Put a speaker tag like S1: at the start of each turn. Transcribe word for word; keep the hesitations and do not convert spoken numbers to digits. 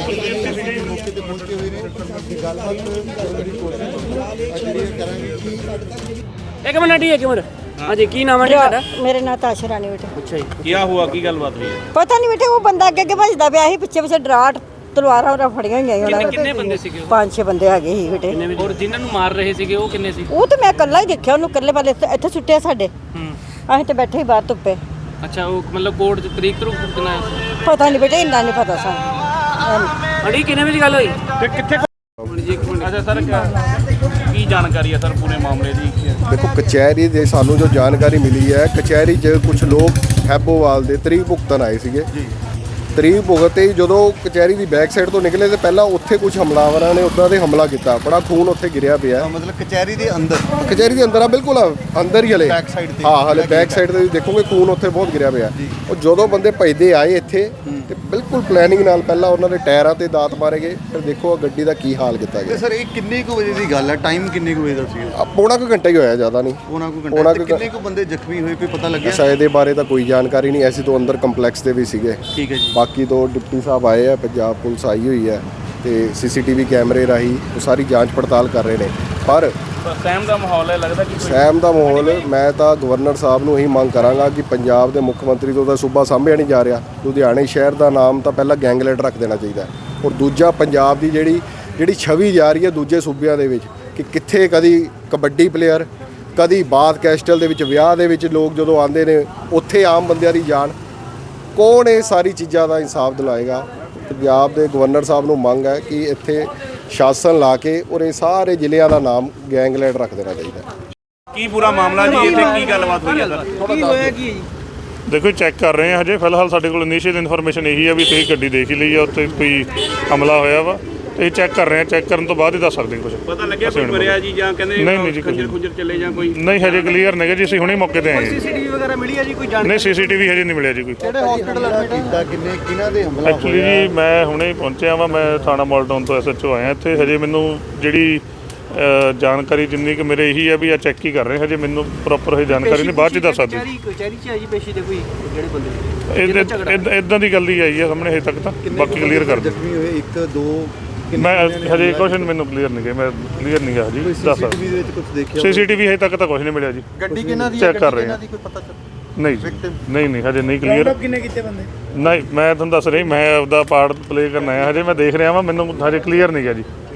S1: ਮੌਕੇ ਤੇ ਪਹੁੰਚੇ ਹੋਏ ਨੇ ਗੱਲਬਾਤ ਕਰਨ ਦੀ ਕੋਸ਼ਿਸ਼ ਕਰਾਂਗੇ ਕਿ
S2: एक मिनट ही एक मिनट। हाँ जी, की नाम है ਤੁਹਾਡਾ?
S3: मेरे नाम ताशा रानी बेटे।
S2: अच्छा जी,
S4: क्या हुआ की गलबात हुई है?
S3: पता नहीं बेटे, वो बंदा अगे अगे भजदा पिया ਸੀ, ਪਿੱਛੇ ਪਿੱਛੇ ਡਰਾਟ ਤਲਵਾਰਾਂ ਵਰਾ ਫੜੀਆਂ ਹੋਈਆਂ ਸੀ ਉਹਨਾਂ ਨੇ।
S2: ਕਿੰਨੇ ਬੰਦੇ ਸੀਗੇ ਉਹ?
S3: ਪੰਜ ਛੇ ਬੰਦੇ ਹੈਗੇ ਸੀ ਬੇਟੇ।
S2: और जिन्हां ਨੂੰ ਮਾਰ ਰਹੇ ਸੀਗੇ ਉਹ ਕਿੰਨੇ ਸੀ?
S3: ਉਹ ਤਾਂ ਮੈਂ ਇਕੱਲਾ ਹੀ ਦੇਖਿਆ ਉਹਨੂੰ, ਇਕੱਲੇ ਵਾਲੇ ਇੱਥੇ ਇੱਥੇ ਸੁੱਟਿਆ ਸਾਡੇ।
S2: ਹੂੰ।
S3: ਅਸੀਂ ਤੇ ਬੈਠੇ ਹੀ ਬਾਹਰ ਧੁੱਪੇ।
S2: ਅੱਛਾ, ਉਹ ਮਤਲਬ ਕੋਰਟ ਚ ਤਰੀਕ ਤਰੂ ਕਿੰਨਾ ਹੈ?
S3: ਪਤਾ ਨਹੀਂ ਬੇਟੇ, ਇੰਨਾ ਨਹੀਂ ਪਤਾ ਸਾਨੂੰ।
S2: ਅੜੀ ਕਿੰਨੇ ਵਜੇ ਗੱਲ ਹੋਈ?
S4: ਤੇ ਕਿੱਥੇ ਅੱਛਾ ਸਰ ਕੀ ਜਾਣਕਾਰੀ ਹੈ ਸਰ ਪੂਰੇ ਮਾਮਲੇ ਦੀ?
S5: देखो कचहरी ਦੇ ਸਾਨੂੰ ਜੋ ਜਾਣਕਾਰੀ ਮਿਲੀ ਹੈ, ਕਚਹਿਰੀ 'ਚ ਕੁਝ ਲੋਕ ਹੈਬੋਵਾਲ ਦੇ ਤਰੀਕ ਭੁਗਤਣ ਆਏ ਸੀਗੇ। ਤਰੀਕ ਭੁਗਤੇ ਹੀ ਜਦੋਂ ਕਚਹਿਰੀ ਦੀ ਬੈਕ ਸਾਈਡ ਤੋਂ ਨਿਕਲੇ ਤੇ ਪਹਿਲਾਂ ਉੱਥੇ ਕੁਝ ਹਮਲਾਵਰਾਂ ਨੇ ਉੱਦਾਂ ਦੇ ਹਮਲਾ ਕੀਤਾ। ਬੜਾ ਖੂਨ ਉੱਥੇ ਗਿਰਿਆ ਪਿਆ।
S1: ਮਤਲਬ ਕਚਹਿਰੀ ਦੇ ਅੰਦਰ
S5: ਕਚਹਿਰੀ ਦੇ ਅੰਦਰ ਆ, ਬਿਲਕੁਲ ਅੰਦਰ ਹੀ ਹਲੇ
S1: ਬੈਕ ਸਾਈਡ ਤੇ।
S5: ਹਾਂ, ਹਲੇ ਬੈਕ ਸਾਈਡ ਤੇ ਦੇਖੋਗੇ ਖੂਨ ਉੱਥੇ ਬਹੁਤ ਗਿਰਿਆ ਪਿਆ। ਉਹ ਜਦੋਂ ਬੰਦੇ ਭੱਜਦੇ ਆਏ ਇੱਥੇ ਤੇ ਬਿਲਕੁਲ ਪਲੈਨਿੰਗ ਨਾਲ ਪਹਿਲਾਂ ਉਹਨਾਂ ਦੇ ਟਾਇਰਾਂ ਤੇ ਦਾਤ ਮਾਰੇ ਗਏ। ਫਿਰ ਦੇਖੋ ਗੱਡੀ ਦਾ ਕੀ ਹਾਲ ਕੀਤਾ
S1: ਤੇ
S5: ਗਿਆ।
S1: ਸਰ ਇਹ ਕਿੰਨੇ ਕੁ ਵਜੇ ਦੀ ਗੱਲ ਹੈ? ਟਾਈਮ ਕਿੰਨੇ ਕੁ ਵਜੇ ਦਾ ਸੀ?
S5: ਆ, ਪੌਣਾ ਕੁ ਘੰਟਾ ਹੀ ਹੋਇਆ, ਜ਼ਿਆਦਾ ਨਹੀਂ।
S1: ਉਹਨਾਂ ਕੋ
S5: ਪੌਣਾ
S1: ਘੰਟਾ।
S5: ਕੁ
S1: ਤੇ ਕਿੰਨੇ ਕੁ ਬੰਦੇ ਜ਼ਖਮੀ ਹੋਏ, ਕੋਈ ਪਤਾ ਲੱਗਿਆ?
S5: ਅੱਛਾ, ਇਹਦੇ ਬਾਰੇ ਤਾਂ ਕੋਈ ਜਾਣਕਾਰੀ ਨਹੀਂ। ਐਸੀ ਤੋਂ ਅੰਦਰ ਕੰਪਲੈਕਸ ਦੇ ਵੀ ਸੀਗੇ।
S1: ਠੀਕ ਹੈ ਜੀ।
S5: ਬਾਕੀ ਤੋਂ ਡਿਪਟੀ ਸਾਹਿਬ ਆਏ ਆ, ਪੰਜਾਬ ਪੁਲਿਸ ਆਈ ਹੋਈ ਹੈ ਤੇ ਸੀਸੀਟੀਵੀ ਕੈਮਰੇ ਰਾਹੀਂ ਉਹ ਸਾਰੀ ਜਾਂਚ ਪੜਤਾਲ ਕਰ ਰਹੇ ਨੇ। ਪਰ
S4: ਸਹਿਮ ਦਾ ਮਾਹੌਲ ਹੈ, ਲੱਗਦਾ ਕਿ
S5: ਸਹਿਮ ਦਾ ਮਾਹੌਲ, ਮੈਂ ਤਾਂ ਗਵਰਨਰ ਸਾਹਿਬ ਨੂੰ ਇਹੀ ਮੰਗ ਕਰਾਂਗਾ ਕਿ ਪੰਜਾਬ ਦੇ ਮੁੱਖ ਮੰਤਰੀ ਤੋਂ ਤਾਂ ਸੂਬਾ ਸਾਂਭਿਆ ਨਹੀਂ ਜਾ ਰਿਹਾ। ਲੁਧਿਆਣੇ ਸ਼ਹਿਰ ਦਾ ਨਾਮ ਤਾਂ ਪਹਿਲਾਂ ਗੈਂਗਲੈਂਡ ਰੱਖ ਦੇਣਾ ਚਾਹੀਦਾ। ਔਰ ਦੂਜਾ, ਪੰਜਾਬ ਦੀ ਜਿਹੜੀ ਜਿਹੜੀ ਛਵੀ ਜਾ ਰਹੀ ਹੈ ਦੂਜੇ ਸੂਬਿਆਂ ਦੇ ਵਿੱਚ ਕਿ ਕਿੱਥੇ ਕਦੀ ਕਬੱਡੀ ਪਲੇਅਰ, ਕਦੀ ਬਾਥ ਕੈਸਟਲ ਦੇ ਵਿੱਚ ਵਿਆਹ ਦੇ ਵਿੱਚ ਲੋਕ ਜਦੋਂ ਆਉਂਦੇ ਨੇ, ਉੱਥੇ ਆਮ ਬੰਦਿਆਂ ਦੀ ਜਾਨ। ਕੌਣ ਇਹ ਸਾਰੀ ਚੀਜ਼ਾਂ ਦਾ ਇਨਸਾਫ ਦਿਲਾਏਗਾ? ਪੰਜਾਬ ਦੇ ਗਵਰਨਰ ਸਾਹਿਬ ਨੂੰ ਮੰਗ ਹੈ ਕਿ ਇੱਥੇ ਸ਼ਾਸਨ ਲਾ ਕੇ ਔਰ ਇਹ ਸਾਰੇ ਜ਼ਿਲ੍ਹਿਆਂ ਦਾ ਨਾਮ ਗੈਂਗਲੈਂਡ ਰੱਖ ਦੇਣਾ ਚਾਹੀਦਾ।
S4: ਕੀ ਪੂਰਾ ਮਾਮਲਾ ਜੀ? ਇੱਥੇ ਕੀ ਗੱਲਬਾਤ ਹੋਈ ਹੈ ਸਰ?
S2: ਕੀ ਹੋਇਆ ਕੀ ਹੈ ਜੀ?
S6: ਦੇਖੋ ਚੈੱਕ ਕਰ ਰਹੇ ਹਾਂ ਹਜੇ। ਫਿਲਹਾਲ ਸਾਡੇ ਕੋਲ ਇਨੀਸ਼ੀਅਲ ਇਨਫੋਰਮੇਸ਼ਨ ਇਹੀ ਹੈ ਵੀ ਤੁਸੀਂ ਗੱਡੀ ਦੇਖ ਹੀ ਲਈ ਆ, ਉੱਥੇ ਕੋਈ ਹਮਲਾ ਹੋਇਆ ਵਾ। ਤੇ ਇਹ ਚੈੱਕ ਕਰ ਰਹੇ ਹਾਂ, ਚੈੱਕ ਕਰਨ ਤੋਂ ਬਾਅਦ ਹੀ ਦੱਸ ਸਕਦੇ ਕੁਝ।
S4: ਪਤਾ ਲੱਗਿਆ ਕੋਈ ਮਰਿਆ ਜੀ ਜਾਂ ਕਹਿੰਦੇ
S6: ਨਹੀਂ ਨਹੀਂ ਜੀ,
S4: ਖੰਜਰ ਖੁੰਜਰ ਚੱਲੇ ਜਾਂ ਕੋਈ?
S6: ਨਹੀਂ ਹਜੇ ਕਲੀਅਰ ਨਹੀਂ ਜੀ, ਅਸੀਂ ਹੁਣੇ ਮੌਕੇ ਤੇ ਆਏ ਹਾਂ।
S2: ਸੀਸੀਟੀਵੀ ਵਗੈਰਾ ਮਿਲੀ ਹੈ ਜੀ ਕੋਈ ਜਾਣ?
S6: ਨਹੀਂ, ਸੀਸੀਟੀਵੀ ਹਜੇ ਨਹੀਂ ਮਿਲਿਆ ਜੀ ਕੋਈ।
S1: ਕਿਹੜੇ ਹਸਪੀਟਲ ਐਡਮਿਟ ਕੀਤਾ? ਕਿੰਨੇ ਕਿਹਨਾਂ ਦੇ ਹਮਲਾ
S6: ਐਕਚੁਅਲੀ ਜੀ ਮੈਂ ਹੁਣੇ ਹੀ ਪਹੁੰਚਿਆ ਵਾਂ। ਮੈਂ ਥਾਣਾ ਮਾਲਟਾਊਨ ਤੋਂ ਐਸਐਚਓ ਆਇਆ ਇੱਥੇ। ਹਜੇ ਮੈਨੂੰ ਜਿਹੜੀ ਅ, ਜਾਣਕਾਰੀ ਜਿੰਨੀ ਕਿ ਮੇਰੇ ਇਹੀ ਹੈ ਵੀ ਆ ਚੈੱਕ ਹੀ ਕਰ ਰਹੇ। ਹਜੇ ਮੈਨੂੰ ਪ੍ਰੋਪਰ ਇਹ ਜਾਣਕਾਰੀ ਨਹੀਂ, ਬਾਅਦ 'ਚ ਦੱਸ ਸਕਦੇ।
S2: ਕਚਹਿਰੀ ਚ ਆਈ ਪੇਸ਼ੀ ਦੇ ਕੋਈ ਜਿਹੜੇ ਬੰਦੇ
S6: ਇਦਾਂ ਦੀ ਗੱਲ ਹੀ ਆਈ ਹੈ ਸਾਹਮਣੇ ਹਜੇ ਤੱਕ ਤਾਂ। ਬਾਕੀ ਕਲੀਅਰ ਕਰ ਦਿਓ।
S1: ਜ਼ਖਮੀ ਹੋਏ ਇੱਕ ਦੋ
S6: ਮੈਂ ਹਜੇ ਕੁਛ ਮੈਨੂੰ ਕਲੀਅਰ ਨਹੀਂ ਗਿਆ, ਮੈਂ ਕਲੀਅਰ ਨਹੀਂ ਗਿਆ ਜੀ। ਦੱਸ
S1: ਸੀਸੀਟੀਵੀ ਦੇ ਵਿੱਚ ਕੁਝ ਦੇਖਿਆ?
S6: ਸੀਸੀਟੀਵੀ ਹਜੇ ਤੱਕ ਤਾਂ ਕੁਝ ਨਹੀਂ ਮਿਲਿਆ ਜੀ।
S1: ਗੱਡੀ ਕਿਹਨਾਂ ਦੀ
S6: ਚੈੱਕ ਕਰ ਰਹੇ ਹਾਂ।
S1: ਕੋਈ ਪਤਾ ਚੱਲ?
S6: ਨਹੀਂ ਜੀ, ਨਹੀਂ ਨਹੀਂ ਹਜੇ ਨਹੀਂ ਕਲੀਅਰ।
S2: ਕਿੰਨੇ ਕੀਤੇ ਬੰਦੇ?
S6: ਨਹੀਂ, ਮੈਂ ਤੁਹਾਨੂੰ ਦੱਸ ਰਹੀ, ਮੈਂ ਆਪਦਾ ਪਾਰਟ ਪਲੇ ਕਰਨ ਆਇਆ। ਹਜੇ ਮੈਂ ਦੇਖ ਰਿਹਾ ਵਾਂ, ਮੈਨੂੰ ਹਜੇ ਕਲੀਅਰ ਨਹੀਂ ਗਿਆ ਜੀ।